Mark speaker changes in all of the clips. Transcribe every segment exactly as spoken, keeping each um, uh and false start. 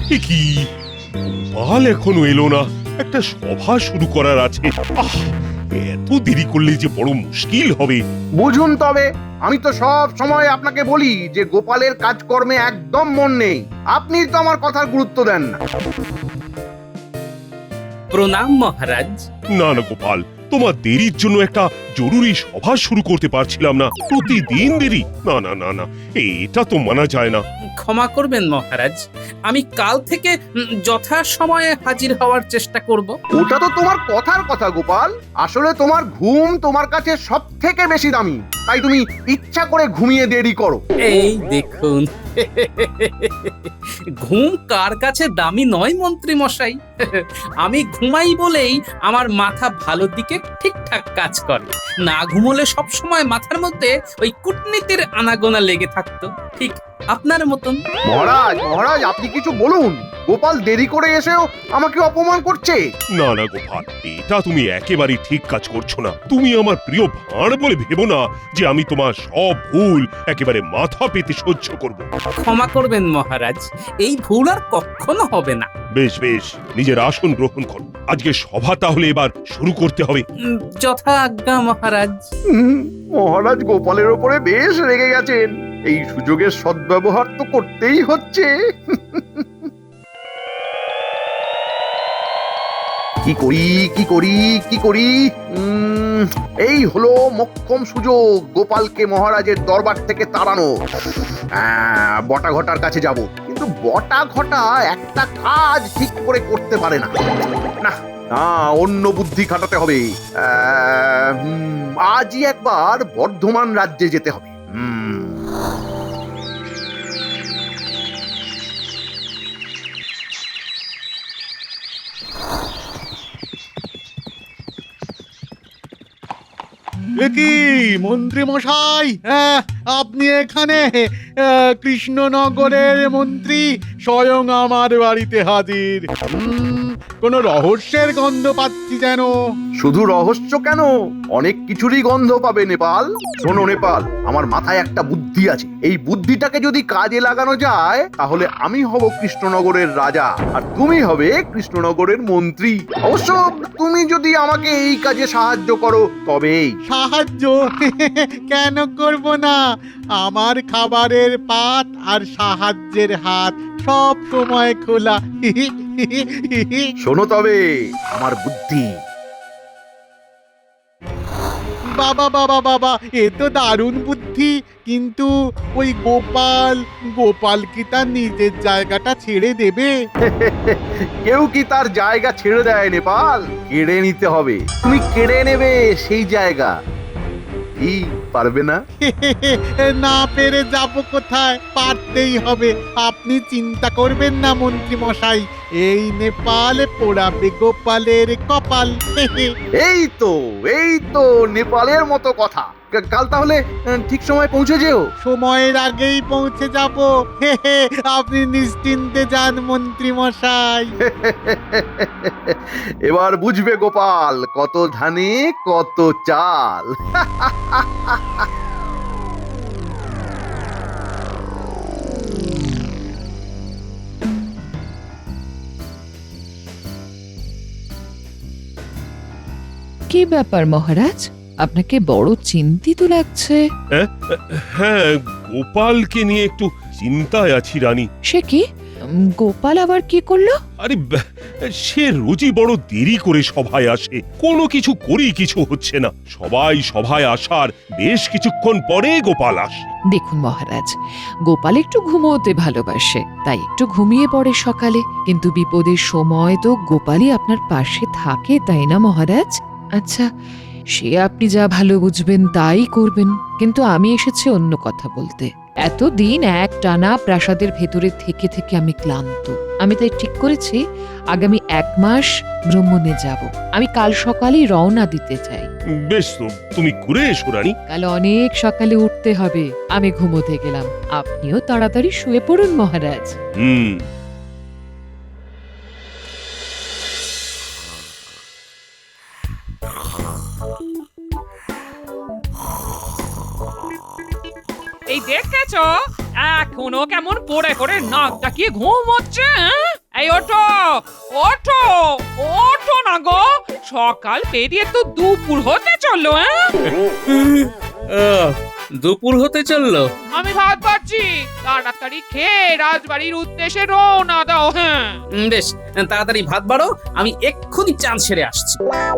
Speaker 1: এ কি, গোপাল এখনো এলো না? একটা সভা শুরু করার আছে। আহ, এত দেরি করলে যে বড় মুশকিল হবে।
Speaker 2: বুঝুন তবে, আমি তো সব সময় আপনাকে বলি যে গোপালের কাজকর্মে একদম মন নেই। আপনি তো আমার কথার গুরুত্ব দেন না।
Speaker 3: প্রণাম মহারাজ।
Speaker 1: না না গোপাল, তোমার দেরির জন্য একটা জরুরি সভা শুরু করতে পারছিলাম না। প্রতিদিন দেরি, না না না না, এটা তো মানা যায় না।
Speaker 3: ক্ষমা করবেন মহারাজ, আমি কাল থেকে উম, যথা সময়ে হাজির হওয়ার চেষ্টা করব।
Speaker 2: ওটা তো তোমার কথার কথা গোপাল। আসলে তোমার ঘুম তোমার কাছে সব থেকে বেশি দামি, তাই তুমি ইচ্ছা করে ঘুমিয়ে দেরি করো।
Speaker 3: এই দেখুন, ঘুম কার কাছে দামি নয় মন্ত্রী মশাই। আমি ঘুমাই বলেই আমার মাথা ভালো দিকে ঠিকঠাক কাজ করে। না ঘুমোলে সব সময় মাথার মধ্যে ওই কূটনীতির আনাগোনা লেগে থাকতো, ঠিক আপনার মতন।
Speaker 2: মহারাজ মহারাজ আপনি কিছু বলুন। গোপাল দেরি করে এসেও আমাকে অপমান করছে।
Speaker 1: না না গোপাল, এটা তুমি একেবারেই ঠিক কাজ করছো না। তুমি আমার প্রিয় ভাঁড় বলে ভেবো না যে আমি তোমার সব ভুল একেবারে মাথা পেতে সহ্য করব।
Speaker 3: ক্ষমা করবেন মহারাজ, এই ভুল আর কখনো হবে না।
Speaker 1: বেশ বেশ, নিজের আসন গ্রহণ করো। আজকে সভা তাহলে এবার শুরু করতে হবে।
Speaker 3: উম, যথা আজ্ঞা মহারাজ।
Speaker 2: হুম, মহারাজ গোপালের ওপরে বেশ রেগে গেছেন। এই সুযোগের সদ্ব্যবহার তো করতেই হচ্ছে। কি করি কি করি কি করি উম, এই হলো মোক্ষম সুযোগ গোপালকে মহারাজের দরবার থেকে তাড়ানো। আহ, বটা ঘটার কাছে যাব, কিন্তু বটা ঘটা একটা কাজ ঠিক করে করতে পারে না। না না, অন্য বুদ্ধি খাটাতে হবে। আহ, হুম, আজই একবার বর্ধমান রাজ্যে যেতে হবে। হুম
Speaker 4: এ কি মন্ত্রী মশাই, হ্যাঁ, আপনি এখানে? আহ, কৃষ্ণনগরের মন্ত্রী স্বয়ং আমার বাড়িতে হাজির। হুম, কোনো রহস্যের গন্ধ পাচ্ছি যেন।
Speaker 2: শুধু রহস্য কেন, অনেক কিছুরই গন্ধ পাবে নেপাল। শোনো নেপাল, আমার মাথায় একটা বুদ্ধি আছে। এই বুদ্ধিটাকে যদি কাজে লাগানো যায় তাহলে আমি হব কৃষ্ণনগরের রাজা আর তুমি হবে কৃষ্ণনগরের মন্ত্রী। অবশ্য তুমি যদি আমাকে এই কাজে সাহায্য করো তবেই।
Speaker 4: সাহায্য কেন করব না? আমার খাবারের পাত আর সাহায্যের হাত সব সময় খোলা।
Speaker 2: শোনো তবে আমার বুদ্ধি।
Speaker 4: বাবা বাবা বাবা, এ তো দারুণ বুদ্ধি। কিন্তু ওই গোপাল, গোপাল কি তার নিজের জায়গাটা ছেড়ে দেবে?
Speaker 2: কেউ কি তার জায়গা ছেড়ে দেয় নেপাল? কেড়ে নিতে হবে। তুমি কেড়ে নেবে সেই জায়গা। কি পারবে না?
Speaker 4: না পেরে যাব কোথায়? পারতেই হবে। আপনি চিন্তা করবেন না মন্ত্রী মশাই, এই নেপাল পোড়াবে গোপালের কপাল।
Speaker 2: এই তো এই তো নেপালের মতো কথা। কা- কাল তাহলে আহ, ঠিক সময় পৌঁছে যেও।
Speaker 4: সময়ের আগেই পৌঁছে যাব। আপনি নিশ্চিন্তে যান মন্ত্রী মশাই।
Speaker 2: এবার বুঝবে গোপাল, কত ধানে কত চাল।
Speaker 5: কি ব্যাপার মহারাজ, আপনাকে বড় চিন্তিত লাগছে।
Speaker 1: হ্যাঁ, গোপালকে নিয়ে একটু চিন্তায় আছি রানী।
Speaker 5: সে কি? উম, গোপাল আবার কি করলো?
Speaker 1: আরে ব্যাহ, সে রোজই বড় দেরি করে সভায় আসে। কোনো কিছু করি কিছু হচ্ছে না। সবাই সভায় আসার বেশ কিছুক্ষণ পরে গোপাল আসে।
Speaker 5: দেখুন মহারাজ, গোপাল একটু ঘুমোতে ভালোবাসে, তাই একটু ঘুমিয়ে পড়ে সকালে। কিন্তু বিপদের সময় তো গোপালই আপনার পাশে থাকে, তাই না মহারাজ? আচ্ছা, সে আপনি যা ভালো বুঝবেন তাই করবেন, কিন্তু আমি এসেছি অন্য কথা বলতে। এতদিন এক টানা প্রাসাদের ভেতরে থেকে থেকে আমি ক্লান্ত। আমি তাই ঠিক করেছি আগামী এক মাস ভ্রমণে যাব। আমি কাল সকালেই রওনা দিতে চাই।
Speaker 1: বেশ, তো তুমি ঘুরে এসো রানী।
Speaker 5: কাল অনেক সকালে উঠতে হবে। আমি ঘুমোতে গেলাম, আপনিও তাড়াতাড়ি শুয়ে পড়ুন মহারাজ।
Speaker 1: হুম।
Speaker 6: এই দেখেছো, এখনো কেমন পড়ে পড়ে নাক ডাকিয়ে ঘুম হচ্ছে। হ্যাঁ? এই ওঠো ওঠো ওঠো না গো, সকাল পেরিয়ে তো দুপুর হতে চললো। হ্যাঁ
Speaker 3: আহ, দুপুর হতে চললো।
Speaker 6: আমি ভাত পাচ্ছি, তাড়াতাড়ি খেয়ে রাজবাড়ির উদ্দেশ্যে রওনা দাও। হ্যাঁ
Speaker 3: উম, বেশ তাড়াতাড়ি ভাত বাড়ো, আমি এক্ষুনি চান সেরে আসছি।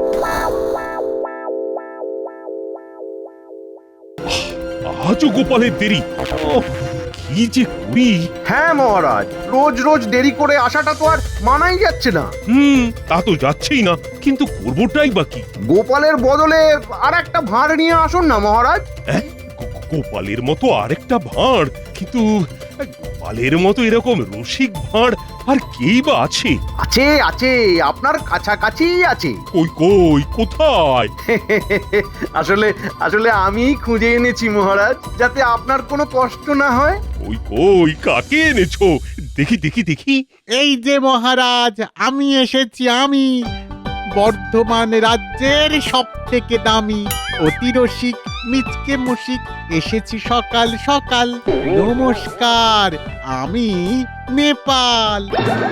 Speaker 1: আজও গোপালের দেরি। ওহ, কি যে করি।
Speaker 2: হ্যাঁ মহারাজ, রোজ রোজ দেরি করে আসাটা তো আর মানাই যাচ্ছে না।
Speaker 1: হুম, তা তো যাচ্ছেই না, কিন্তু করবোটাই বা কি?
Speaker 2: গোপালের বদলে আর একটা ভাঁড় নিয়ে আসুন না মহারাজ।
Speaker 1: হ্যাঁ, গো- গোপালের মতো আরেকটা ভাঁড়, কিন্তু গোপালের মতো এরকম রসিক ভাঁড় আর কেই বা আছে?
Speaker 2: আছে আছে, আপনার কাছাকাছি আছে।
Speaker 1: কই কই কোথায়?
Speaker 2: আসলে আসলে আমি খুঁজে এনেছি মহারাজ, যাতে আপনার কোনো কষ্ট না হয়।
Speaker 1: কই কই কাকে এনেছো? দেখি দেখি দেখি।
Speaker 4: এই যে মহারাজ, আমি এসেছি, আমি বর্ধমান রাজ্যের সব থেকে দামি অতি রসিক মিচকে মুশিক এসেছি সকাল সকাল। নমস্কার, আমি নেপাল।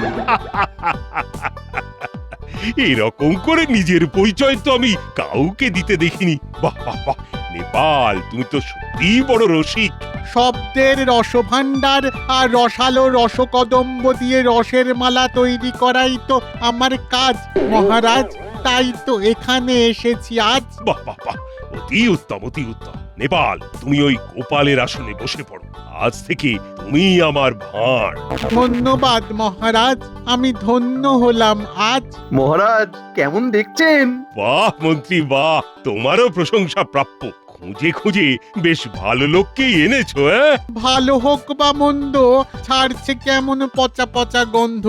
Speaker 1: এরকম করে নিজের পরিচয় তো আমি কাউকে দিতে দেখিনি। বাহ বাহ বাহ, নেপাল, তুমি তো সত্যি বড় রসিক।
Speaker 4: শব্দের রসভাণ্ডার আর রসালো রসকদম্ব দিয়ে রসের মালা তৈরি করাই তো আমার কাজ মহারাজ, তাই তো এখানে এসেছি আজ।
Speaker 1: বাহ বাহ বাহ, অতি উত্তম অতি উত্তম। নেপাল, তুমি ওই গোপালের আসনে বসে পড়ো। আজ থেকে তুমি আমার ভাঁড়।
Speaker 4: ধন্যবাদ মহারাজ, আমি ধন্য হলাম আজ।
Speaker 2: মহারাজ কেমন দেখছেন?
Speaker 1: বাহ মন্ত্রী বাহ, তোমারও প্রশংসা প্রাপ্য। খুঁজে খুঁজে বেশ ভালো লোককেই এনেছো। হ্যাঁ,
Speaker 4: ভালো হোক বা মন্দ, ছাড়ছে কেমন পচা পচা গন্ধ।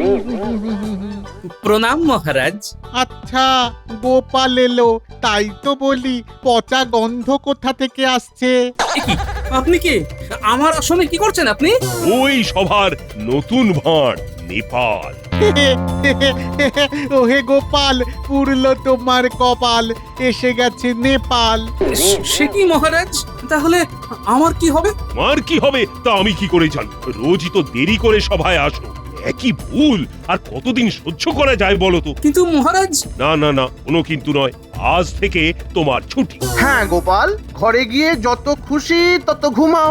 Speaker 3: প্রণাম মহারাজ।
Speaker 4: আচ্ছা, গোপাল এলো, তাই তো বলি পচা গন্ধ কোথা থেকে আসছে?
Speaker 3: এ কি, আপনি কি আমার আসনে কি করছেন আপনি?
Speaker 1: ওই সভার নতুন ভাঁড় নেপাল।
Speaker 4: ওহে গোপাল, পুরলো তোমার কপাল, এসে গেছে নেপাল।
Speaker 3: সে- সে কি মহারাজ, তাহলে আমার কি হবে?
Speaker 1: আমার কি হবে তা আমি কি করে জানি? রোজই তো দেরি করে সভায় আসো। একই ভুল আর কতদিন সহ্য করা যায় বলো তো?
Speaker 3: কিন্তু মহারাজ,
Speaker 1: না না না, কোনো কিন্তু নয়। আজ থেকে তোমার ছুটি।
Speaker 2: হ্যাঁ গোপাল, ঘরে গিয়ে যত খুশি তত ঘুমাও।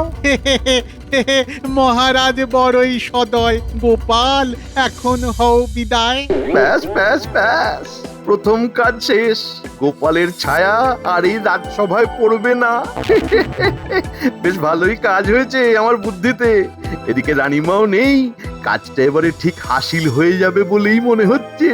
Speaker 4: মহারাজ বড়ই সদয়, গোপাল এখন হও বিদায়।
Speaker 2: ব্যাস ব্যাস ব্যাস, প্রথম কাজ শেষ। গোপালের ছায়া আর এই রাজসভায় পড়বে না। বেশ ভালোই কাজ হয়েছে আমার বুদ্ধিতে। এদিকে রানীমাও নেই, কাজটা এবারে ঠিক হাসিল হয়ে যাবে বলেই মনে হচ্ছে।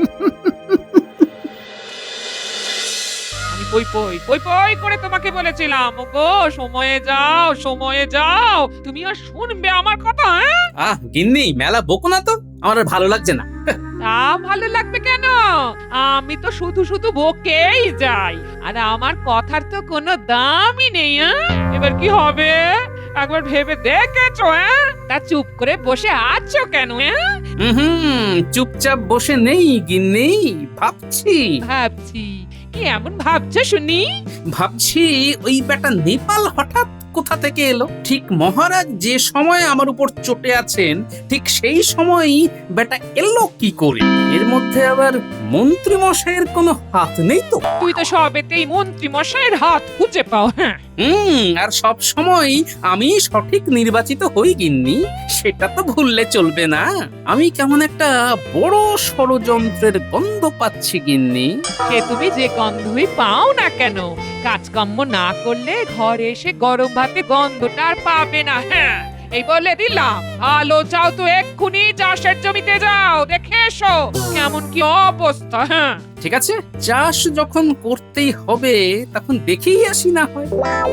Speaker 6: আমি পই পই পই পই করে তোমাকে বলেছিলাম, ওগো সময়ে যাও সময়ে যাও, তুমি আর শুনবে আমার কথা? হ্যাঁ
Speaker 3: আহ গিন্নি, মেলা বকো না তো, আমার আর ভালো লাগছে না।
Speaker 6: তা ভালো লাগবে কেন? আমি তো শুধু শুধু বকেই যাই, আর আমার কথার তো কোনো দামই নেই। হ্যাঁ এবার কি হবে একবার ভেবে দেখেছো? হ্যাঁ তা চুপ করে বসে আছো কেন? হ্যাঁ
Speaker 3: হুম, চুপচাপ বসে নেই গিন্নি, ভাবছি
Speaker 6: ভাবছি। কি এমন ভাবছো শুনি?
Speaker 3: ভাবছি ওই বেটা নেপাল হঠাৎ কোথা থেকে এলো। ঠিক মহারাজ যে সময় আমার উপর চটে আছেন, ঠিক সেই সময়ই বেটা এলো কি করে? এর মধ্যে আবার মন্ত্রী মশাইয়ের কোনো হাত নেই তো?
Speaker 6: তুই তো সবেতেই মন্ত্রী মশাইয়ের হাত খুঁজে পাও। হ্যাঁ
Speaker 3: হুম, আর সব সময় আমি সঠিক নির্বাচিত হই গিন্নি, সেটা তো ভুললে চলবে না। আমি কেমন একটা বড় ষড়যন্ত্রের গন্ধ পাচ্ছি গিন্নি।
Speaker 6: সে তুমি যে গন্ধই পাও না কেন, কাজকর্ম না করলে ঘরে এসে গরম ভাতে গন্ধটা আর পাবে না। হ্যাঁ এই বলে দিলাম, ভালো চাও তো এক্ষুনি চাষের জমিতে যাও, দেখে এসো কেমন কি অবস্থা। হ্যাঁ
Speaker 3: ঠিক আছে, চাষ যখন করতেই হবে তখন দেখেই আসি না হয়।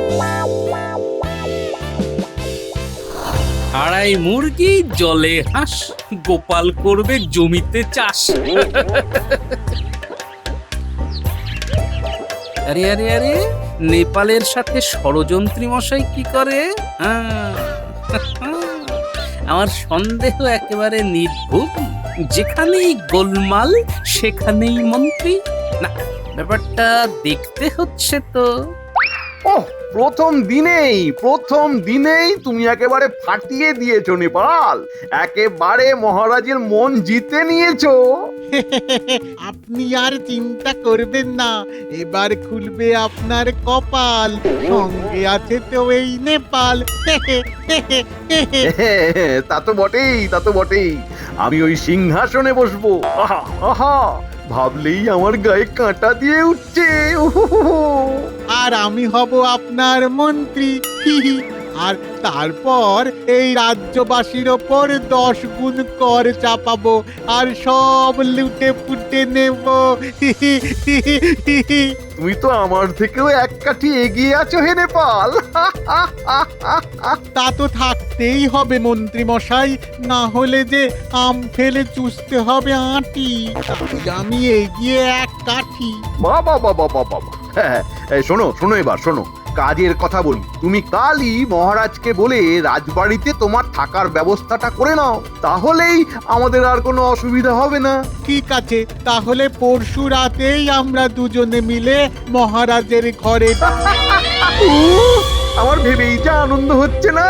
Speaker 3: আড়াই মুরগি জলে হাঁস, গোপাল করবে জমিতে চাষ। আরে আরে আরে, নেপালের সাথে ষড়যন্ত্রী মশাই কি করে? আহ, আমার সন্দেহ একেবারে নির্ভুল। যেখানেই গোলমাল সেখানেই মন্ত্রী। না, ব্যাপারটা দেখতে হচ্ছে তো।
Speaker 2: ওহ, প্রথম দিনেই প্রথম দিনেই তুমি একেবারে ফাটিয়ে দিয়েছো নেপাল, একেবারে মহারাজের মন জিতে নিয়েছো।
Speaker 4: আপনি আর চিন্তা করবেন না, এবার খুলবে আপনার কপাল, সঙ্গে আছে তো এই নেপাল।
Speaker 2: তা তো বটেই, তা তো বটেই। আমি ওই সিংহাসনে বসবো, আহা আহা, ভাবলেই আমার গায়ে কাঁটা দিয়ে উঠছে। উহুহুহু।
Speaker 4: আর আমি হব আপনার মন্ত্রী, হি হি। আর তারপর এই রাজ্যবাসীর ওপর দশ গুণ কর চাপাবো আর সব লুটে পুটে নেব। হি হি হি হি হি।
Speaker 2: তুমি তো আমার থেকেও এক কাঠি এগিয়ে আছো হে নেপাল।
Speaker 4: তা তো থাকতেই হবে মন্ত্রী মশাই, না হলে যে আম ফেলে চুষতে হবে আঁটি। তাই আমি এগিয়ে এক কাঠি।
Speaker 2: বাবা বাবা বাবা বাবা, হ্যাঁ, এই শোনো শোনো এবার শোনো, কাজের কথা বলি। তুমি কালই মহারাজকে বলে রাজবাড়িতে তোমার থাকার ব্যবস্থাটা করে নাও, তাহলেই আমাদের আর কোনো অসুবিধা হবে না।
Speaker 4: ঠিক আছে, তাহলে পরশু রাতেই আমরা দুজনে মিলে মহারাজের ঘরে।
Speaker 2: উহ, আমার ভেবেই যা আনন্দ হচ্ছে না।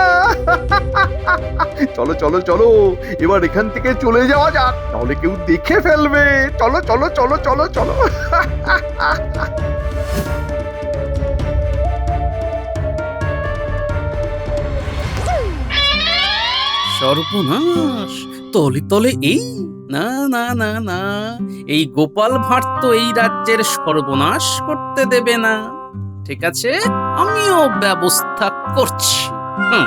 Speaker 2: চলো চলো চলো, এবার এখান থেকে চলে যাওয়া যাক, তাহলে কেউ দেখে ফেলবে। চলো চলো চলো চলো চলো।
Speaker 3: সর্বনাশ, তলে তলে এই না না না না, এই গোপাল ভাঁড় তো এই রাজ্যের সর্বনাশ করতে দেবে না। ঠিক আছে, আমিও ব্যবস্থা করছি। হুম।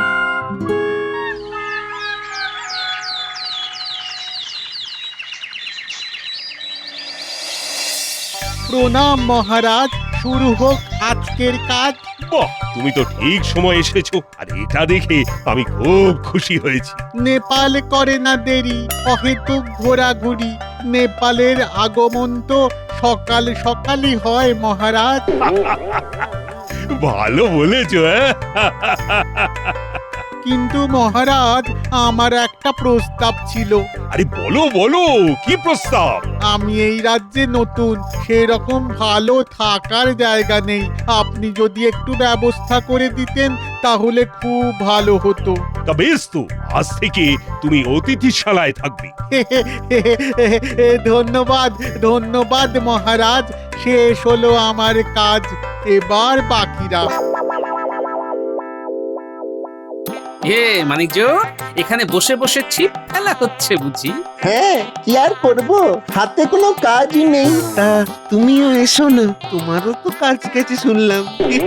Speaker 4: প্রণাম মহারাজ, শুরু হোক আজকের কাজ।
Speaker 1: বাহ, তুমি তো ঠিক সময় এসেছো, আর এটা দেখে আমি খুব খুশি হয়েছি।
Speaker 4: নেপাল করে না দেরি, অহেতুক ঘোরাঘুরি। নেপালের আগমন তো সকাল সকালই হয় মহারাজ।
Speaker 1: ভালো বলেছো। হ্যাঁ,
Speaker 4: কিন্তু মহারাজ, আমার একটা প্রস্তাব ছিল।
Speaker 1: আরে বলো বলো, কি প্রস্তাব?
Speaker 4: আমি এই রাজ্যে নতুন, সেরকম ভালো থাকার জায়গা নেই। আপনি যদি একটু ব্যবস্থা করে দিতেন তাহলে খুব ভালো হতো।
Speaker 1: তা বেশ তো, আজ থেকে তুমি অতিথিশালায় থাকবে।
Speaker 4: ধন্যবাদ ধন্যবাদ মহারাজ, শেষ হলো আমার কাজ, এবার বাকিরা।
Speaker 3: এ মানিকজ, এখানে বসে বসে ছিপ ফেলা হচ্ছে বুঝি?
Speaker 7: হ্যাঁ, কি আর করবো, হাতে কোনো কাজই নেই। তা তুমিও এসো না, তোমারও তো কাজ গেছে শুনলাম।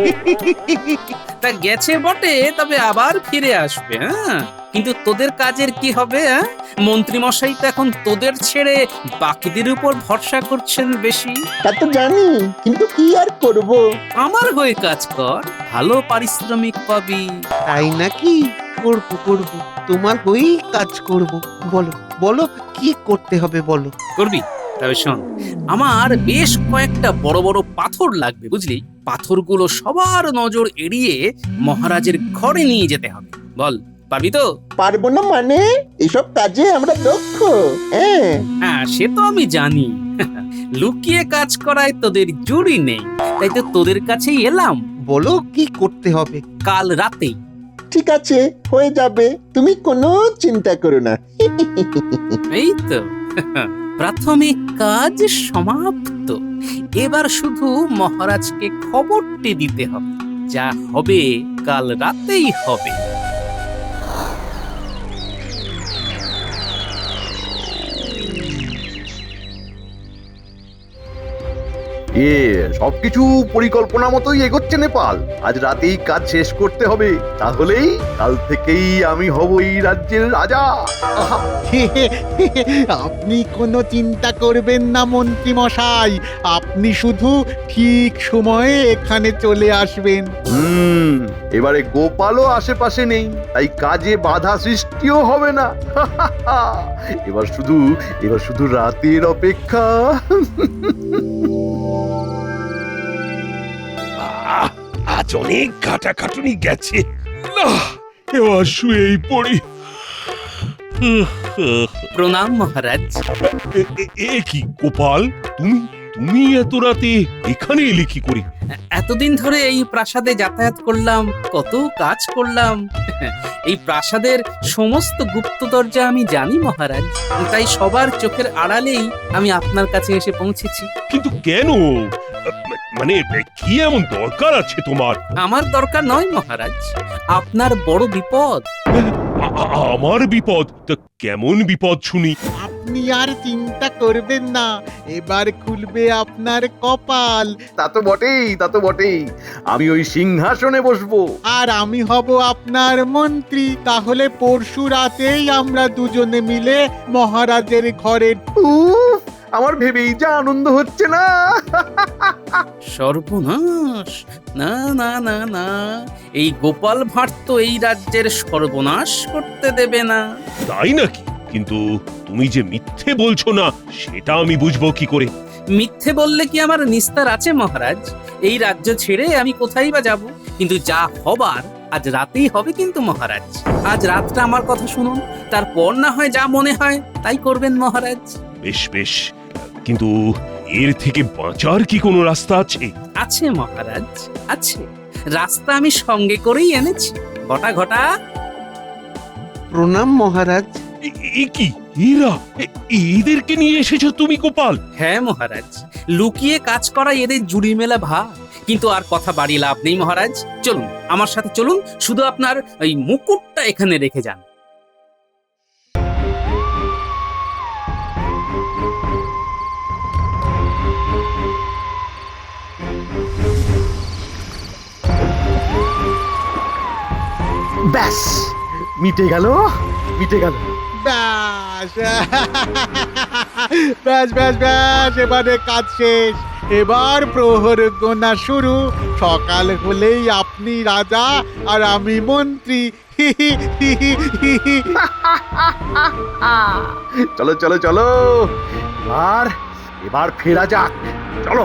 Speaker 3: তা গেছে বটে, তবে আবার ফিরে আসবে। হ্যাঁ, কিন্তু তোদের কাজের কি হবে? হ্যাঁ, মন্ত্রী মশাই তো এখন তোদের ছেড়ে বাকিদের উপর ভরসা করছেন বেশি।
Speaker 7: তা তো জানি, কিন্তু কি আর করব।
Speaker 3: আমার হয়ে কাজ কর, ভালো পারিশ্রমিক পাবি।
Speaker 7: তাই নাকি? করবো করবো, তোমার হয়েই কাজ করব। বলো বলো, কি করতে হবে বলো।
Speaker 3: করবি? তবে শোন, আমার বেশ কয়েকটা বড় বড় পাথর লাগবে বুঝলি। পাথরগুলো সবার নজর এড়িয়ে মহারাজের ঘরে নিয়ে যেতে হবে। বল, পারবি তো?
Speaker 7: পারবো না মানে? এসব কাজে আমরা দক্ষ। হ্যাঁ
Speaker 3: হ্যাঁ, সে তো আমি জানি। লুকিয়ে কাজ করায় তোদের জুড়ি নেই, তাই তো তোদের কাছেই এলাম।
Speaker 7: বলো, কি করতে হবে।
Speaker 3: কাল রাতেই।
Speaker 7: ঠিক আছে, হয়ে যাবে, তুমি কোনো চিন্তা করো না।
Speaker 3: এই তো, প্রাথমিক কাজ সমাপ্ত। এবার শুধু মহারাজকে খবরটি দিতে হবে, যা হবে কাল রাতেই হবে।
Speaker 2: এ সবকিছু পরিকল্পনা মতোই এগোচ্ছে নেপাল। আজ রাতেই কাজ শেষ করতে হবে, তাহলেই কাল থেকেই আমি হব এই রাজ্যের রাজা। আহা,
Speaker 4: আপনি কোনো চিন্তা করবেন না মন্ত্রী মশাই, আপনি শুধু ঠিক সময়ে এখানে চলে আসবেন।
Speaker 2: হুম, এবারে গোপালও আশেপাশে নেই, তাই কাজে বাধা সৃষ্টিও হবে না। এবার শুধু এবার শুধু রাতের অপেক্ষা।
Speaker 1: আহ, আজ অনেক খাটাখাটুনি গেছে, না এবার শুয়েই পড়ি।
Speaker 3: প্রণাম মহারাজ।
Speaker 1: এ- এ- এ কি গোপাল, তুমি তুমি এত রাতে এখানে এলে কি করে?
Speaker 3: এতদিন ধরে এই প্রাসাদে যাতায়াত করলাম, কত কাজ করলাম। এই প্রাসাদের সমস্ত গুপ্ত দরজা আমি জানি মহারাজ, তাই সবার চোখের আড়ালেই আমি আপনার কাছে এসে পৌঁছেছি।
Speaker 1: কিন্তু কেন? মানে কি এমন দরকার আছে তোমার?
Speaker 3: আমার দরকার নয় মহারাজ, আপনার বড় বিপদ।
Speaker 1: আ- আ- আমার বিপদ? তা কেমন বিপদ শুনি?
Speaker 4: আপনি আর চিন্তা করবেন না, এবার খুলবে আপনার কপাল।
Speaker 2: তা তো বটেই, তা তো বটেই। আমি ওই সিংহাসনে বসবো।
Speaker 4: আর আমি হব আপনার মন্ত্রী। তাহলে পরশু রাতেই আমরা দুজনে মিলে মহারাজের ঘরে।
Speaker 2: উফ, আমার ভেবেই যা আনন্দ হচ্ছে না।
Speaker 3: সর্বনাশ! না না না না, এই গোপাল ভাঁড় তো এই রাজ্যের সর্বনাশ করতে দেবে না।
Speaker 1: তাই নাকি? কিন্তু তুমি যে মিথ্যে বলছো না, সেটা আমি বুঝবো কি করে?
Speaker 3: মিথ্যে বললে কি আমার নিস্তার আছে মহারাজ? এই রাজ্য ছেড়ে আমি কোথায় বা যাব? কিন্তু যা হবার আজ রাতেই হবে কিন্তু মহারাজ। আজ রাতটা আমার কথা শুনুন, তারপর না হয় যা মনে হয় তাই করবেন মহারাজ।
Speaker 1: বেশ বেশ, কিন্তু এর থেকে বাঁচার কি কোনো রাস্তা আছে?
Speaker 3: আছে মহারাজ, আছে। রাস্তা আমি সঙ্গে করেই এনেছি। ঘটা ঘটা।
Speaker 7: প্রণাম মহারাজ।
Speaker 1: এ- এ কি এরা? এ- এদেরকে নিয়ে এসেছো তুমি গোপাল?
Speaker 3: হ্যাঁ মহারাজ, লুকিয়ে কাজ করা এদের জুড়ি মেলা ভার। কিন্তু আর কথা বাড়িয়ে লাভ নেই মহারাজ, চলুন আমার সাথে চলুন। শুধু আপনার ওই মুকুটটা এখানে রেখে যান।
Speaker 2: ব্যাস, মিটে গেল, মিটে গেল।
Speaker 4: ব্যাস ব্যাস ব্যাস ব্যাস, এবারে কাজ শেষ। এবার প্রহর গোনা শুরু। সকাল হলেই আপনি রাজা আর আমি মন্ত্রী।
Speaker 2: চলো চলো চলো, আর এবার ফেরা যাক। চলো।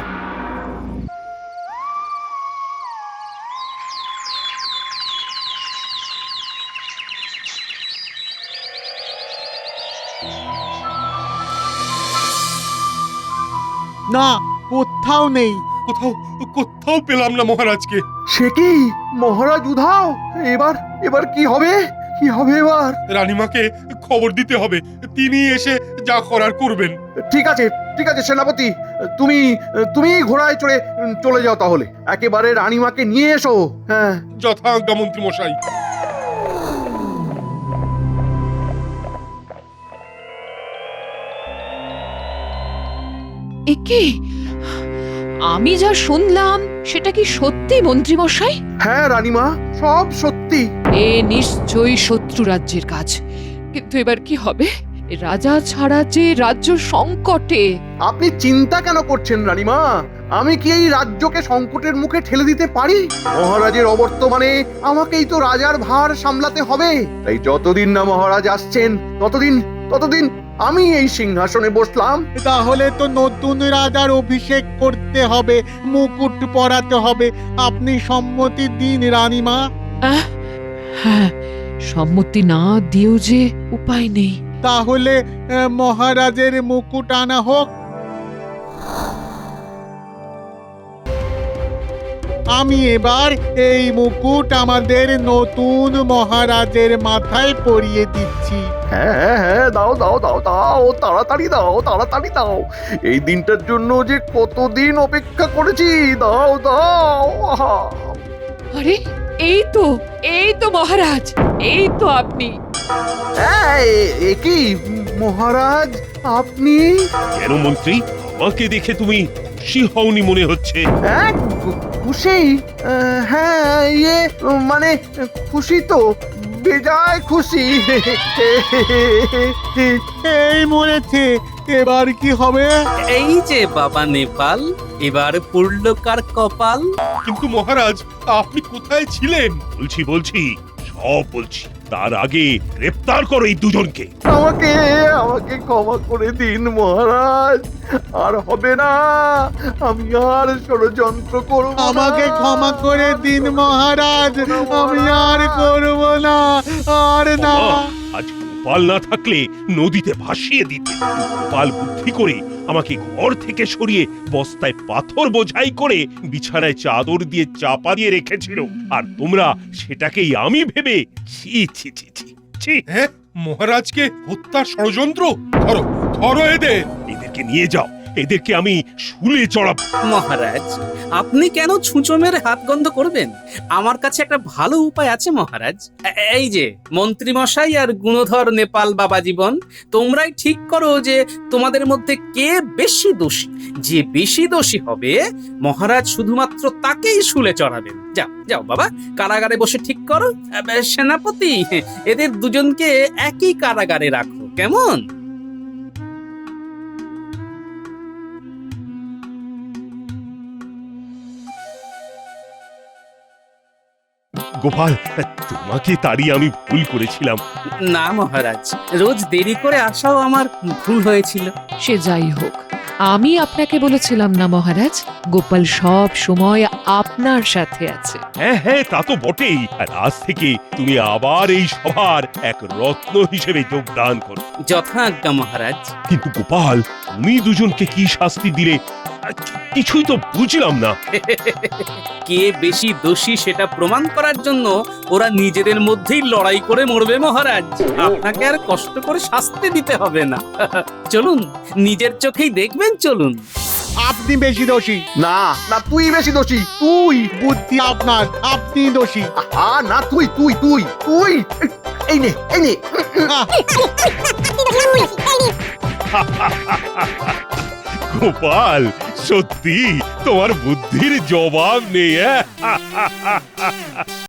Speaker 4: না, কোথাও নেই।
Speaker 1: কোথাও কোথাও পেলাম না মহারাজকে।
Speaker 2: সে কি, মহারাজ উধাও? এবার এবার কি হবে, কি হবে এবার?
Speaker 1: রানীমাকে খবর দিতে হবে, তিনি এসে যা করার করবেন।
Speaker 2: ঠিক আছে, ঠিক আছে সেনাপতি, তুমি তুমি ঘোড়ায় চড়ে চলে যাও তাহলে। একেবারে রানীমাকে নিয়ে এসো। হ্যাঁ,
Speaker 1: যথাজ্ঞা মন্ত্রী মশাই।
Speaker 5: একে আমি যা শুনলাম সেটা কি সত্যি মন্ত্রী মশাই?
Speaker 2: হ্যাঁ রানীমা, সব সত্যি।
Speaker 5: এ নিশ্চয়ই শত্রু রাজ্যের কাজ। কিন্তু এবার কি হবে? এ রাজা ছাড়া যে রাজ্য সংকটে।
Speaker 2: আপনি চিন্তা কেন করছেন রানীমা? আমি কি এই রাজ্যকে সংকটের মুখে ঠেলে দিতে পারি? মহারাজের অবর্তমানে আমাকেই তো রাজার ভার সামলাতে হবে। তাই যতদিন না মহারাজ আসছেন ততদিন ততদিন আমি এই সিংহাসনে বসলাম।
Speaker 4: তাহলে তো নতুন রাজার অভিষেক করতে হবে, মুকুট পরাতে হবে। আপনি সম্মতি দিন রানীমা।
Speaker 5: আহ, হ্যাঁ, সম্মতি না দিয়েও যে উপায় নেই।
Speaker 4: তাহলে আহ, মহারাজের মুকুট আনা হোক। আমি এবার এই মুকুট আমাদের নতুন মহারাজের মাথায় পরিয়ে দিচ্ছি।
Speaker 2: হ্যাঁ হ্যাঁ হ্যাঁ, দাও দাও দাও দাও, তাড়াতাড়ি দাও, তাড়াতাড়ি দাও। এই দিনটার জন্য যে কতদিন অপেক্ষা করেছি। দাও দাও। আহা।
Speaker 5: আরে এই তো, এই তো মহারাজ, এই তো আপনি।
Speaker 2: হ্যাঁ, এ- এ কি মহারাজ আপনি?
Speaker 1: কেন মন্ত্রী, আমাকে দেখে তুমি খুশি হওনি মনে হচ্ছে?
Speaker 2: হ্যাঁ, খু- খুশি? আহ, হ্যাঁ, ইয়ে মানে খুশি তো, বেজায় খুশি।
Speaker 4: এই মরেছে, এবার কি হবে?
Speaker 3: এই যে বাবা নেপাল, এবার পুরল কার কপাল।
Speaker 1: কিন্তু মহারাজ, আপনি কোথায় ছিলেন? বলছি বলছি সব বলছি, তার আগে গ্রেপ্তার করো এই দুজনকে।
Speaker 2: আমাকে আমাকে ক্ষমা করে দিন মহারাজ, আর হবে না। আমি আর ষড়যন্ত্র করব না।
Speaker 4: আমাকে ক্ষমা করে দিন মহারাজ, আমি আর করব না, আর না।
Speaker 1: বাবা, আজ গোপাল না থাকলে নদীতে ভাসিয়ে দিতে। গোপাল বুদ্ধি করে আমাকে ঘর থেকে সরিয়ে বস্তায় পাথর বোঝাই করে বিছানায় চাদর দিয়ে চাপা দিয়ে রেখেছিল, আর তোমরা সেটাকেই আমি ভেবে ছি ছি ছি ছি ছি
Speaker 8: হ্যাঁ, মহারাজকে হত্যার ষড়যন্ত্র। ধরো ধরো এদের।
Speaker 1: এদেরকে নিয়ে যাও, এদেরকে আমি শুলে চড়াবো।
Speaker 3: মহারাজ, আপনি কেন ছুঁচো মেরে হাত গন্ধ করবেন? আমার কাছে একটা ভালো উপায় আছে মহারাজ। এ- এই যে মন্ত্রী মশাই আর গুণধর নেপাল বাবা জীবন, তোমরাই ঠিক করো যে তোমাদের মধ্যে কে বেশি দোষী। যে বেশি দোষী হবে মহারাজ শুধুমাত্র তাকেই শুলে চড়াবেন। যাও যাও বাবা, কারাগারে বসে ঠিক করো। এ, সেনাপতি, এদের দুজনকে একই কারাগারে রাখো, কেমন?
Speaker 1: গোপাল, তোমাকে তাড়িয়ে আমি ভুল করেছিলাম।
Speaker 3: না মহারাজ, রোজ দেরি করে আসাও আমার ভুল হয়েছিল।
Speaker 5: সে যাই হোক, আমি আপনাকে বলেছিলাম না মহারাজ, গোপাল সব সময় আপনার সাথে আছে।
Speaker 1: হ্যাঁ হ্যাঁ, তা তো বটেই। আর আজ থেকে তুমি আবার এই সভার এক রত্ন হিসেবে যোগদান করো।
Speaker 3: যথাজ্ঞা মহারাজ।
Speaker 1: কিন্তু গোপাল, তুমি দুজনকে কি শাস্তি দিলে আহ, কিছুই তো বুঝলাম না।
Speaker 3: কে বেশি দোষী সেটা প্রমাণ করার জন্য ওরা নিজেদের মধ্যেই লড়াই করে মরবে মহারাজ। আপনাকে আর কষ্ট করে শাস্তি দিতে হবে না। চলুন, নিজের চোখেই দেখবেন, চলুন।
Speaker 4: আপনি বেশি দোষী।
Speaker 2: না না, তুই বেশি দোষী, তুই।
Speaker 4: বুদ্ধি আপনার, আপনি দোষী।
Speaker 2: আহা, না, তুই তুই তুই তুই এই নে এই নে।
Speaker 4: আহ,
Speaker 1: গোপাল, সত্যি তোমার বুদ্ধির জবাব নেই। হ্যাঁ?